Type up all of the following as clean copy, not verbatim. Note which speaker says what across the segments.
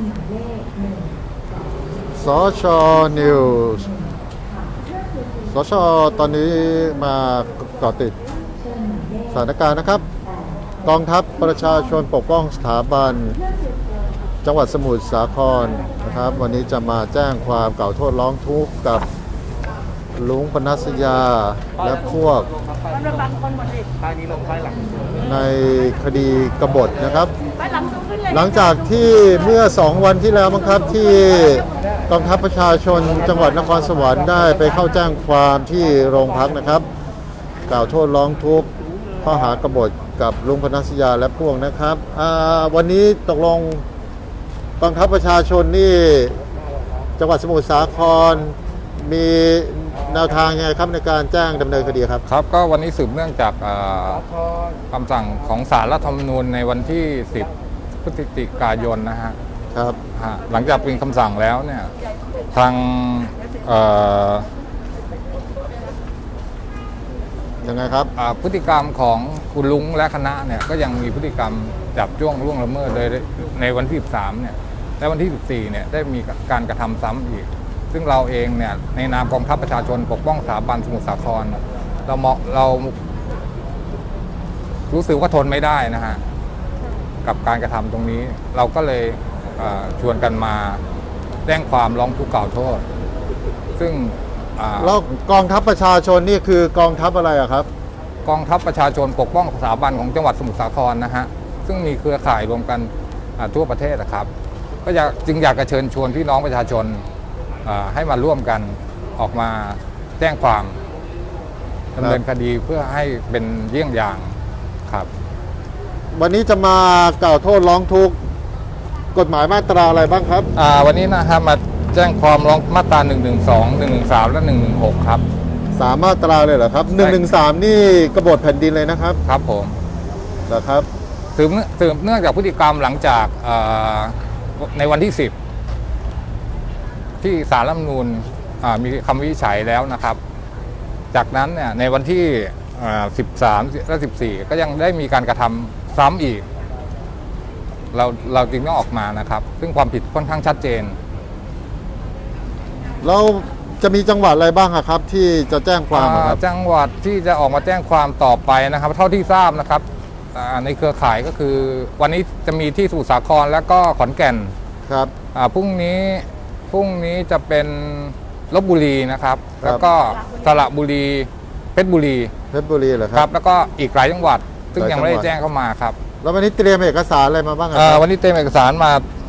Speaker 1: สชนิวส์สชตอนนี้มาเกาะติดสถานการณ์นะครับกองทัพประชาชนปกป้องสถาบันจังหวัดสมุทรสาครนะครับวันนี้จะมาแจ้งความกล่าวโทษร้องทุกข์กับลุงปนัสยาและพวกในคดีกบฏนะครับหลังจากที่เมื่อ2 วันที่แล้วมั้งครับที่กองทัพประชาชนจังหวัดนครสวรรค์ได้ไปเข้าแจ้งความที่โรงพักนะครับกล่าวโทษร้องทุกข์ข้อหากบฏกับลุงปนัสยาและพวกนะครับวันนี้ตกลงกองทัพประชาชนนี่จังหวัดสมุทรสาครมีแนวทางยังไงครับในการแจ้งดำเนินคดีครับ
Speaker 2: ครับก็วันนี้สืบเนื่องจากคำสั่งของศาลรัฐธรรมนูญในวันที่ 10 พฤศจิกายนนะฮะ
Speaker 1: ครับ
Speaker 2: หลังจากเป็นคำสั่งแล้วเนี่ยทาง
Speaker 1: ยังไงครับ
Speaker 2: พฤติกรรมของคุณลุงและคณะเนี่ยก็ยังมีพฤติกรรมจับจ้วงล่วงละเมิดเลยในวันที่ 13 เนี่ยและวันที่ 14 เนี่ยได้มีการกระทำซ้ำอีกซึ่งเราเองเนี่ยในนามกองทัพประชาชนปกป้องสถาบันสมุทรสาครเรารู้สึกว่าทนไม่ได้นะฮะกับการกระทำตรงนี้เราก็เลยชวนกันมาแจ้งความร้องทุกข์กล่าวโทษซึ่ง
Speaker 1: แล้วกองทัพประชาชนนี่คือกองทัพอะไรอะครับ
Speaker 2: กองทัพประชาชนปกป้องสถาบันของจังหวัดสมุทรสาครนะฮะซึ่งมีเครือข่ายรวมกันทั่วประเทศนะครับก็จึงอยากจะเชิญชวนพี่น้องประชาชนให้มาร่วมกันออกมาแจ้งความดำเนินคดีเพื่อให้เป็นเยี่ยงอย่างครับ
Speaker 1: วันนี้จะมากล่าวโทษร้องทุกข์กฎหมายมาตราอะไรบ้างครับ
Speaker 2: วันนี้นะครับมาแจ้งความร้องมาตรา 112 113 และ 116 ครับ
Speaker 1: 3 มาตราเลยเหรอครับ113นี่กบฏแผ่นดินเลยนะครับ
Speaker 2: ครับผม
Speaker 1: เหรอครับ
Speaker 2: สืบเนื่องจากพฤติกรรมหลังจากในวันที่ 10ที่ศาลรัฐธรรมนูญมีคำวินิจฉัยแล้วนะครับจากนั้นเนี่ยในวันที่13 และ 14 ก็ยังได้มีการกระทำซ้ำอีกเราจึงต้องออกมานะครับซึ่งความผิดค่อนข้างชัดเจน
Speaker 1: เราจะมีจังหวัดอะไรบ้างครับที่จะแจ้งความครับ
Speaker 2: จังหวัดที่จะออกมาแจ้งความต่อไปนะครับเท่าที่ทราบนะครับในเครือข่ายก็คือวันนี้จะมีที่สมุทรสาครและก็ขอนแก่น
Speaker 1: ครับ
Speaker 2: พรุ่งนี้จะเป็นลพบุรีนะครับแล้วก็สระบุรีเพชรบุรี
Speaker 1: เหรอครับ
Speaker 2: แล้วก็อีกหลายจังหวัดซึ่งยังไม่ได้แจ้งเข้ามาครับ
Speaker 1: แล้ววันนี้เตรียมเอกสารอะไรมาบ้างครับ
Speaker 2: วันนี้เตรียมเอกสารมา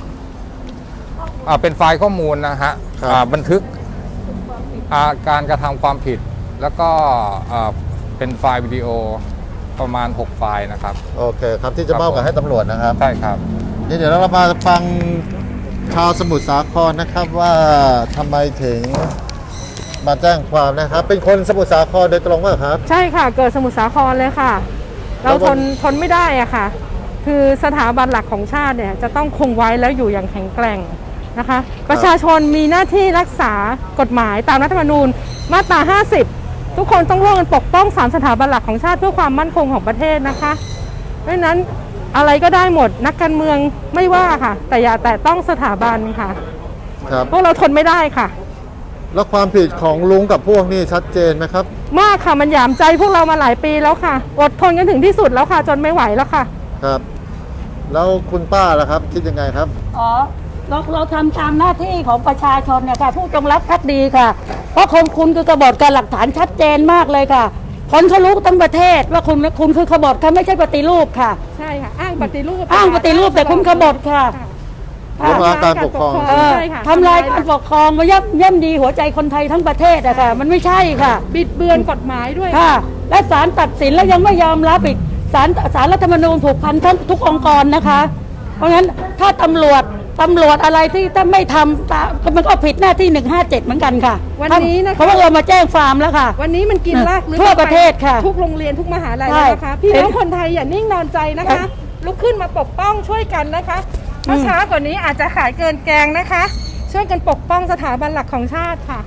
Speaker 2: เป็นไฟล์ข้อมูลนะฮะบันทึกการกระทำความผิดแล้วก็เป็นไฟล์วิดีโอประมาณ6 ไฟล์นะครับ
Speaker 1: โอเคครับที่จะมอบให้ตำรวจนะครับ
Speaker 2: ใช่ครับ
Speaker 1: เดี๋ยวเรามาฟังชาวสมุทรสาครนะครับว่าทำไมถึงมาแจ้งความนะครับเป็นคนสมุทรสาครโดยตรงว่าครับ
Speaker 3: ใช่ค่ะเกิดสมุทรสาครเลยค่ะเราทนไม่ได้อะค่ะคือสถาบันหลักของชาติเนี่ยจะต้องคงไว้แล้วอยู่อย่างแข็งแกร่งนะคะประชาชนมีหน้าที่รักษากฎหมายตามรัฐธรรมนูญมาตรา 50ทุกคนต้องร่วมกันปกป้อง3 สถาบันหลักของชาติเพื่อความมั่นคงของประเทศนะคะเพราะฉะนั้นอะไรก็ได้หมดนักการเมืองไม่ว่าค่ะแต่อย่าแตะต้องสถาบันค่ะพวกเราทนไม่ได้ค่ะ
Speaker 1: แล้วความผิดของลุงกับพวกนี้ชัดเจนไหมครับ
Speaker 3: มากค่ะมันหยามใจพวกเรามาหลายปีแล้วค่ะอดทนกันถึงที่สุดแล้วค่ะจนไม่ไหวแล้วค่ะ
Speaker 1: ครับแล้วคุณป้าล่ะครับคิดยังไงครับ
Speaker 4: เราทำตามหน้าที่ของประชาชนเนี่ยค่ะผู้จงรักภักดีค่ะเพราะคุณคือกบฏการหลักฐานชัดเจนมากเลยค่ะคนเขารู้ทั้งประเทศว่าคุณคือกบฏค่ะไม่ใช่ปฏิรูปค่ะ
Speaker 3: ใช่ค่ะอ้างปฏิรูป
Speaker 4: แต่คุณกบฏค่ะ
Speaker 1: ทำลายการปกครอง
Speaker 4: ทำลายการปกครองมาย่ำดีหัวใจคนไทยทั้งประเทศอะค่ะมันไม่ใช่ค่ะ
Speaker 3: บิดเบือนกฎหมายด้วย
Speaker 4: ค่ะและศาลตัดสินแล้วยังไม่ยอมรับอีกศาลรัฐธรรมนูญผูกพันทุกองค์กรนะคะเพราะงั้นถ้าตำรวจอะไรที่ถ้าไม่ทำมันก็ผิดหน้าที่157เหมือนกันค่ะ
Speaker 3: วันนี้นะคะ
Speaker 4: เพราะว่าเรามาแจ้งความแล้วค่ะ
Speaker 3: วันนี้มันกินรากลึก
Speaker 4: ทั่วประเทศค่ะ
Speaker 3: ทุกโรงเรียนทุกมหาลัยนะคะพี่น้องคนไทยอย่านิ่งนอนใจนะคะลุกขึ้นมาปกป้องช่วยกันนะคะเมื่อช้ากว่านี้อาจจะขายเกินแกงนะคะช่วยกันปกป้องสถาบันหลักของชาติค่ะ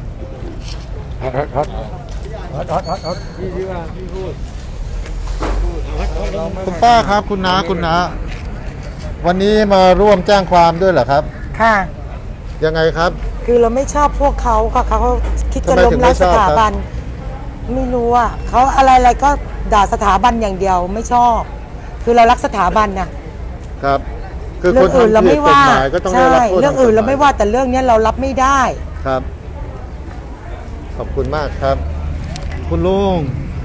Speaker 1: คุณป้าครับคุณน้าวันนี้มาร่วมแจ้งความด้วยเหรอครับ
Speaker 5: ค่ะ
Speaker 1: ยังไงครับ
Speaker 5: คือเราไม่ชอบพวกเขาค่ะเขาคิดจะ
Speaker 1: ทำไม
Speaker 5: ล้ม
Speaker 1: ถึง
Speaker 5: ล้าง
Speaker 1: ไม่ช
Speaker 5: ส
Speaker 1: อบครับ
Speaker 5: ถาบัน ไม่รู้อ่ะเขาอะไรก็ด่าสถาบันอย่างเดียวไม่ชอบ คือเรารักสถาบันนะครับ
Speaker 1: คือ
Speaker 5: เรื่
Speaker 1: คน
Speaker 5: อื่นเรา
Speaker 1: ทำผิด
Speaker 5: ไม่
Speaker 1: กฎ
Speaker 5: ว่า
Speaker 1: หมายก็ต้องได้
Speaker 5: ใช่
Speaker 1: รับโทษ
Speaker 5: เรื่องอื่นเราไม่
Speaker 1: ทกฎห
Speaker 5: ว่าแต่เรื่องเนี้ยเรารับไม่ได้
Speaker 1: ครับ ขอบคุณมากครับ คุณลุง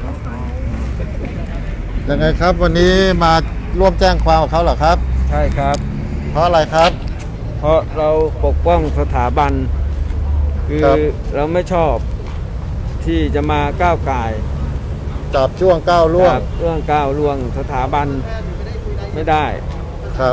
Speaker 1: ยังไงครับ วันนี้มาร่วมแจ้งความกับเขาเหรอครับ
Speaker 6: ใช่ครับ
Speaker 1: เพราะอะไรครับ
Speaker 6: เพราะเราปกป้องสถาบัน คือ
Speaker 1: ครับ
Speaker 6: เราไม่ชอบที่จะมาก้าวไก่าย
Speaker 1: จับช่วงก้าวล่วง
Speaker 6: กับเรื่องก้าวล่วงสถาบันไม่ได้
Speaker 1: ครับ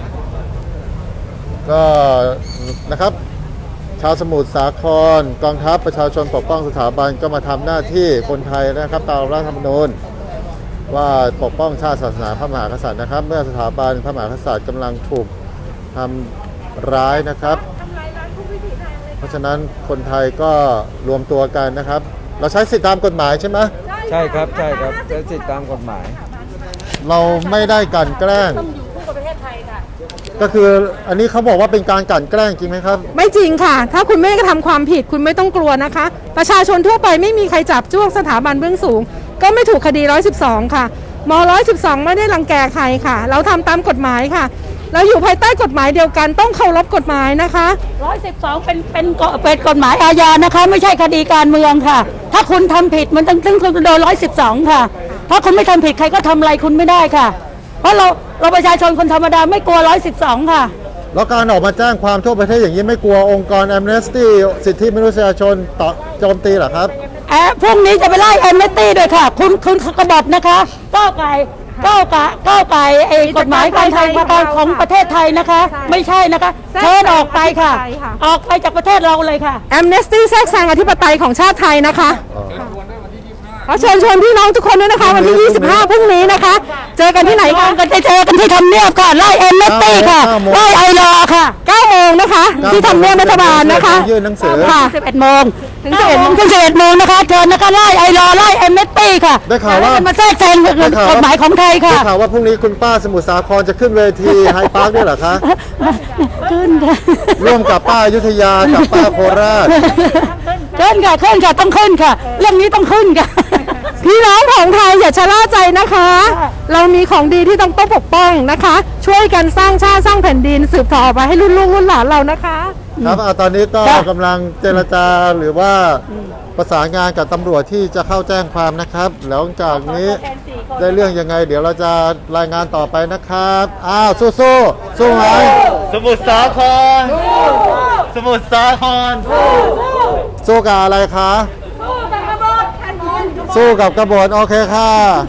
Speaker 1: ก็นะครับ ชาวสมุทรสาครกองทัพประชาชนปกป้องสถาบันก็มาทำหน้าที่คนไทยนะครับตามรัฐธรรมนูญว่าปกป้องชาติศาสนาพระมหากษัตริย์นะครับ เมื่อสถาบันพระมหากษัตริย์กำลังถูกทำร้ายนะครับ เพราะฉะนั้นคนไทยก็รวมตัวกันนะครับ เราใช้สิทธิตามกฎหมายใช่ไหม
Speaker 6: ใช่ครับใช่ครับใช้สิทธิตามกฎหมาย
Speaker 1: เราไม่ได้กลั่นแกล้ง
Speaker 4: ต้องอยู่คู่กับประเทศไทยค่ะ
Speaker 1: ก็คืออันนี้เขาบอกว่าเป็นการกลั่นแกล้งจริงไหมครับ
Speaker 3: ไม่จริงค่ะ ถ้าคุณไม่ได้กระทำความผิดคุณไม่ต้องกลัวนะคะ ประชาชนทั่วไปไม่มีใครจับจ้วงสถาบันเบื้องสูง ก็ไม่ถูกคดี 112 ค่ะม112 ไม่ได้รังแกใครค่ะ เราทำตามกฎหมายค่ะ เราอยู่ภายใต้กฎหมายเดียวกันต้องเคารพกฎหมายนะคะ
Speaker 4: 112เป็นกฎหมายอาญานะคะ ไม่ใช่คดีการเมืองค่ะ ถ้าคุณทำผิดมันต้องโดน112 ค่ะ ถ้าคุณไม่ทำผิดใครก็ทำอะไรคุณไม่ได้ค่ะ เพราะเราประชาชนคนธรรมดาไม่กลัว112 ค่ะ
Speaker 1: แล้วการออกมาแจ้งความทั่วประเทศอย่างนี้ไม่กลัวองค์กร Amnesty สิทธิมนุษยชนต่อโจมตีเหรอครับ
Speaker 4: พรุ่งนี้จะไปไล่แอมเนสตี้ด้วยค่ะ คุณกบฏนะคะก้าวไก่กฎหมายการไทยของประเทศไทยนะคะ ไม่ใช่นะคะเชิญออกไปค่ะ ออกไปจากประเทศเราเลยค่ะ
Speaker 3: แอมเนสตี้แทรกแซงอธิปไตยของชาติไทยนะคะขอเชิญชวนพี่น้องทุกคนด้วยนะคะ วันที่ 25 พรุ่งนี้นะคะ เจอกันที่ไหนคะ
Speaker 4: กันเจอกันที่ทำเนียบค่ะ ไล่แอมเนสตี้ค่ะ ไล่ไอรอค่ะ
Speaker 3: 9 โมงนะคะ ที่ทำเนียบรัฐบาลนะคะ
Speaker 1: ยื่นหนังสือ
Speaker 3: ค่ะ
Speaker 4: 11 โมงถึง11 โมงนะคะเชิญนะคะไล่ไอรอไล่แอมเนสตี้ค่ะ
Speaker 1: ได้ข่าวว่า
Speaker 4: มาแทรกแซงกฎหมายของไทยค่ะ
Speaker 1: ได้ข่าวว่าพรุ่งนี้คุณป้าสมุทรสาครจะขึ้นเวที ไฮพาร์คด้วยเหรอคะ
Speaker 4: ขึ้นค่ะ
Speaker 1: ร่วมกับป้าอยุธยากับป้าโคราช
Speaker 4: ขึ้นค่ะต้องขึ้นค่ะ เรื่องนี้ต้องขึ้นค่ะ
Speaker 3: พี่น้องของไทยอย่าชะล่าใจนะคะ เรามีของดีที่ต้องปกป้องนะคะ ช่วยกันสร้างชาติสร้างแผ่นดินสืบต่อไปให้รุ่นลูกรุ่นหลานเรานะคะ
Speaker 1: ครับตอนนี้ก็กำลังเจรจาหรือว่าประสานงานกับตำรวจที่จะเข้าแจ้งความนะครับหลังจากนี้ได้เรื่องยังไง เดี๋ยวเราจะรายงานต่อไปนะครับอ้าวสู้ไหม
Speaker 7: สมุทรสาคร สมุทรสาคร
Speaker 1: สู้กับอะไรคะสู้กับกบฏโอเคค่ะ